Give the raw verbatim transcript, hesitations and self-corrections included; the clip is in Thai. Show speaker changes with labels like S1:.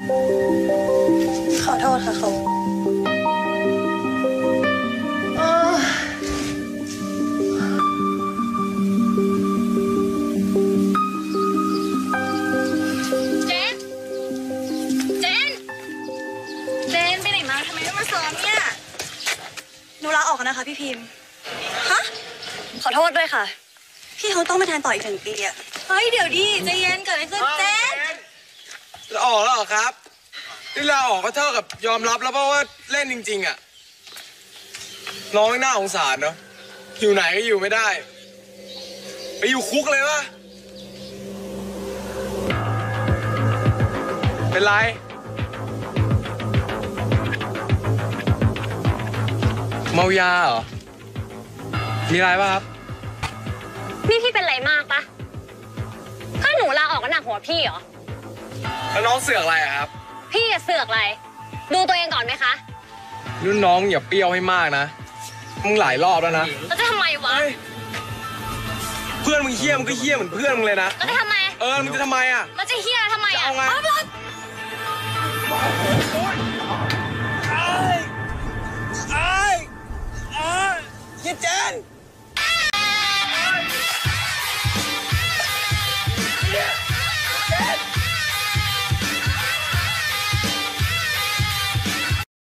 S1: ขอโทษค่ะเขา
S2: เจน เจน เจนไปไหนมาทำไมไม่มาซ้อมเนี่ย
S1: หนูลาออกนะคะพี่พิมพ์
S2: ฮะ
S1: ขอโทษด้วยค่ะ พี่เขาต้องมาแทนต่ออีกหนึ่งปีอะ
S2: เฮ้ยเดี๋ยวดิใจเย็นเกิดอะไรขึ้นเจน
S3: ลาออกแล้วเหรอครับที่ลาออกก็เท่ากับยอมรับแล้วเพราะว่าเล่นจริงๆอ่ะน้องน่าสงสารเนาะอยู่ไหนก็อยู่ไม่ได้ไปอยู่คุกเลยวะเป็นไรเมายาเหรอมีอะไรป่ะครับ
S4: นี่พี่เป็นไรมากปะถ้าหนูลาออกก็หนักหัวพี่เหรอ
S3: แล้วน้องเสือกอะไรอะครับ
S4: พี่จะเสือกอะไร ดูตัวเองก่อนไหมคะ
S3: รุ่นน้องอย่าเปรี้ยวให้มากนะมึงหลายรอบแล้วนะ
S4: แล้วจะทำไมวะ
S3: เฮ้ยเพื่อนมึงเฮี้ยมึงก็เฮี้ยเหมือนเพื่อนมึงเลยนะ
S4: แล้วจะทำไม
S3: เออมึงจะทำไมอ่ะ
S4: แล้วจะเฮียทำไม
S3: จะ
S4: อ่ะ
S3: เอาไง
S4: เอาไป